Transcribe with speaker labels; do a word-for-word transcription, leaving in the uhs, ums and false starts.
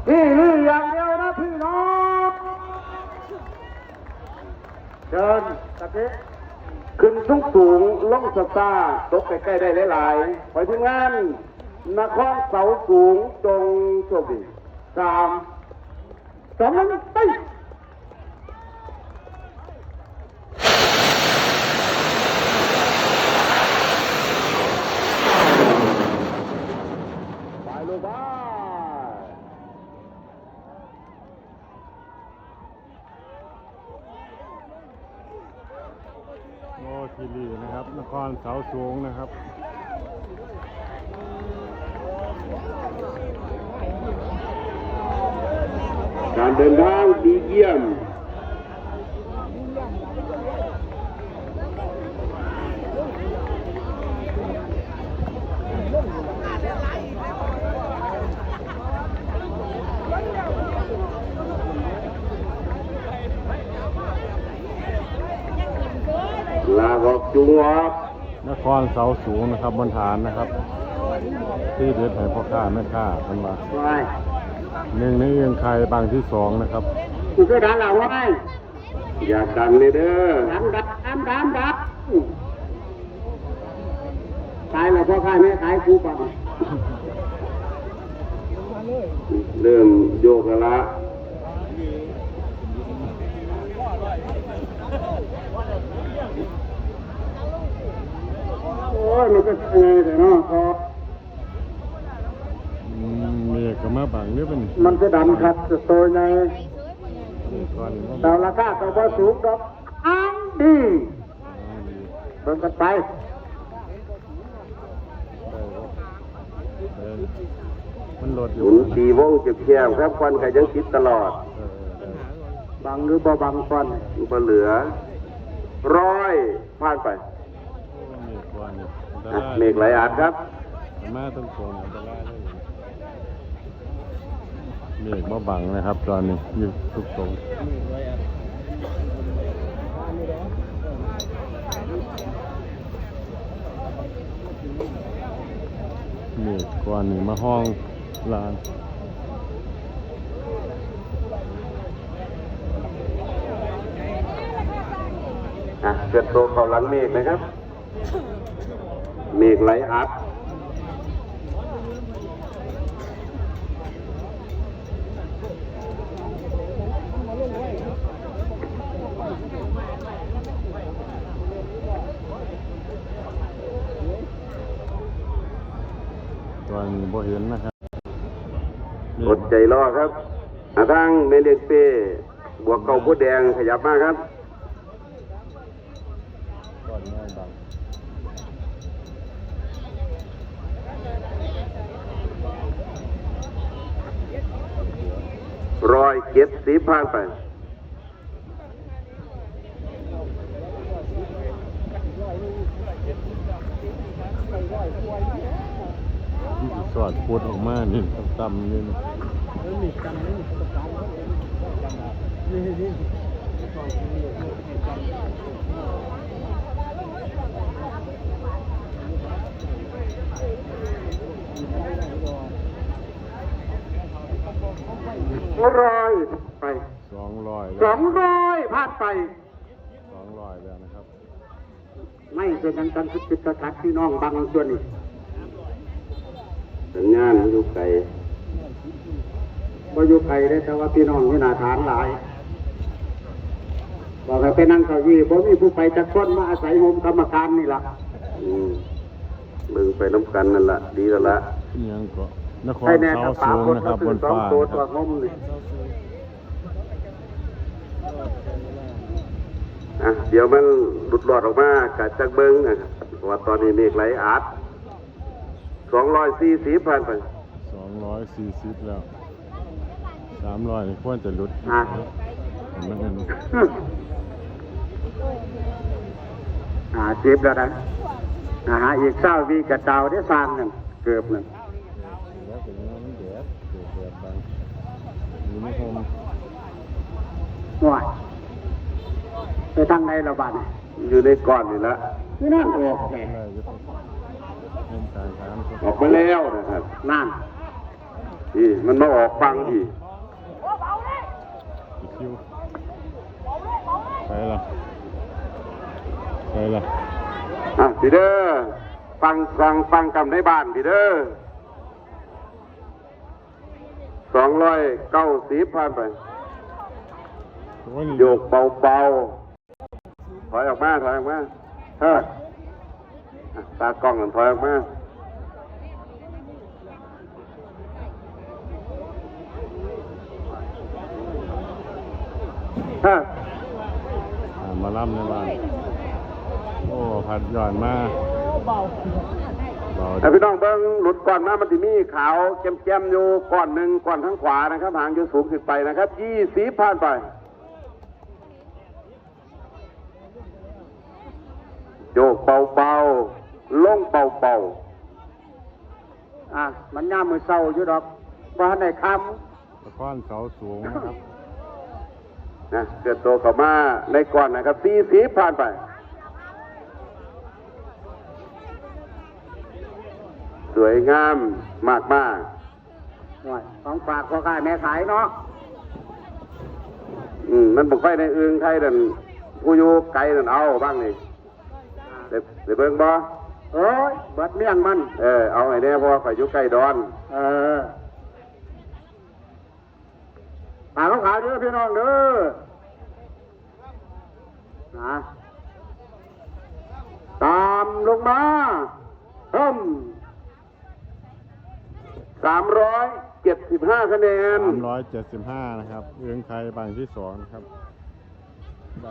Speaker 1: นี่นี่อย่างเดียวนะพี่น้องเชิญตะเกียขึ้นสูงสูงล่องสตาร์ตกใกล้ๆได้หลายๆไปทีมงานนครเสาสูงจงโชคดีสามสองหนึ่งไปไปลูกบ้า
Speaker 2: โอ้ทีรีนะครับนครเสาสูงนะครับ
Speaker 1: การเดินทางดีเยี่ยมลาออกจุงออก
Speaker 2: นครเสาสูงนะครับบนฐานนะครับที่เดือดให้พ่อค้าแม่ค้ากันมา
Speaker 1: ไว้
Speaker 2: หนึ่งในเอียงไข่บางที่สองนะครับ
Speaker 1: กูเคยดันเราไว้อยากดันเลยเด้อดันดันดันดันดันตายแล้วพ่อขายแม่ขายกูปังเริ่มโยกแล้วละโอ้ยมันก็ยังไงแต่เนาะพอ
Speaker 2: อืมเมียก็มาบังเนี่ยเป็น
Speaker 1: มันจะดันขัดตัวใน
Speaker 2: นี่ก่อนว่า
Speaker 1: ดาวราคาตัวสูงดอกอ้างดีเบิ่งกันไป
Speaker 2: เออมันโหลดอ
Speaker 1: ห
Speaker 2: ยู่
Speaker 1: มุนสีวงเก็บแคบครับควันก็ยังคิดตลอด
Speaker 2: เออเออ
Speaker 1: บังหรือบ่บังควันบ่เหลือร้อยผ่านไป
Speaker 2: เมฆกว่านี่อันต
Speaker 1: อ่ะ
Speaker 2: ราย
Speaker 1: เมฆไหลอาดครับ
Speaker 2: มาต้องโกนอันตรายเลยเมฆมาบังนะครับ ตอนนี้อยู่ทุกตรงเมฆกว่านี่มาห้องลาน
Speaker 1: อ่ะเกิดโตเข้าหลังเมฆนะครับ เมฆไหลอัด
Speaker 2: ตอนนี้บ่เห็นนะครับ
Speaker 1: อดใจรอครับอาทางเมเดกเป้บวกเก่าผู้แดงขยับมาครับ
Speaker 2: ก่อนง่ายบัง
Speaker 1: ร้อยเจ็ดสิบผ่านไป
Speaker 2: ที่สอดพูดออกมานี่ต่ำๆนี่นะ
Speaker 1: ร้อยไป
Speaker 2: สองร้อย
Speaker 1: สองร้อยผ่านไป
Speaker 2: สองร้อยแล้วนะครับ
Speaker 1: ไม่เป็นการการคิดกระทัดพี่น้องบางส่วนนี่สัญญาณอยู่ไกลก็อยู่ไกลได้แต่ว่าพี่น้องนี่นาฐานหลายบอกให้ไปนั่งเก้าอี้บ่มีผู้ไปจัดคนมาอาศัยโฮมกรรมการนี่ล่ะอืมมึงไปน้ำกันนั่นล่ะดีแล้วละ
Speaker 2: อิหยังก็นคร
Speaker 1: ให้แน่
Speaker 2: เสา
Speaker 1: ถ้าป่า
Speaker 2: สูง
Speaker 1: คน
Speaker 2: นะค
Speaker 1: ก็
Speaker 2: รับบ
Speaker 1: ซื้อน สอง
Speaker 2: ฟ้า
Speaker 1: ตัว
Speaker 2: นะค
Speaker 1: ตัว
Speaker 2: รับ
Speaker 1: งมนี่อ่ะเดี๋ยวมันหลุดหลอดออกมากะจักเบิ้งนะครับเพราะว่าตอนนี้เมฆไหลอาดสองร้อยสี่สิบผ่านไป
Speaker 2: สองร้อยสี่สิบแล้วสามร้อยควรจะหลุด
Speaker 1: อ่ะ
Speaker 2: เห็นไหมเห็นไหม
Speaker 1: อ่าเจ็บแล้วนะนะฮะอีกเศร้าวีกระเจ้าได้สร้างหนึ่งเกือบหนึ่ง
Speaker 2: แล้วเป็นยังไงมันแดดเกิดแดดบางอยู่ในโฮม
Speaker 1: หน่วยไปทางไหนระบาดเนี่ยอยู่ในก้อนนี่ละนี่นั่นออกแขก
Speaker 2: ได้อยุติเล่นสายทาง
Speaker 1: ออกมาแล้วนะครับนั่นนี่มันมาออกฟังอีก
Speaker 2: อีกคิวไปละไปละ
Speaker 1: อ่ะพี่เด้อฟังฟังฟังกำในบ้านพี่เด้อสองร้อยเก้าสิบผ่านไป
Speaker 2: โอ้ยนี่
Speaker 1: โยกเบาๆถอยออกมาถอยออกมาเฮ้ยอ่ะตากล้องกันถอยออกมาเฮ้ย
Speaker 2: อ่ามาล่ำในบ้านโอ้ผัดหย่อนมาเบา
Speaker 1: แต่พี่น้องเบิ้งหลุดก่อนมามันจะมีขาวแจ่มๆอยู่ก่อนหนึ่งก่อนทั้งขวานะครับหางอยู่สูงขึ้นไปนะครับยี่สิบผ่านไปโยกเบาๆลงเบาๆอ่ะมันย่ามมือเศร้าอยู่ดอกว่าในค
Speaker 2: ตะก้อนเสาสูงนะครับ
Speaker 1: ำนะเกิดโตเข้ามาในก่อนนะครับสี่สิบผ่านไปสวยงามมากมากของฝากพ่อค้าแม่ขายเนาะอืมมันบอกไฟในอึงไทยนั่นผู้อยู่ไกลนั่นเอาบ้างนี่เดี๋ยวเดี๋ยวเบิ่งบ่เอ้ยเบิดเมี่ยงมันเออเอาไอ้เนี่ยเพราะว่าข่อยอยู่ใกล้ดอนเออฝากของขายเด้อพี่น้องเด้อนะตามลงมาเพิ่มสามร้อยเจ็ดสิบห้าคะแนน
Speaker 2: สามร้อยเจ็ดสิบห้านะครับเอื้องไทยบางที่สองนะครับ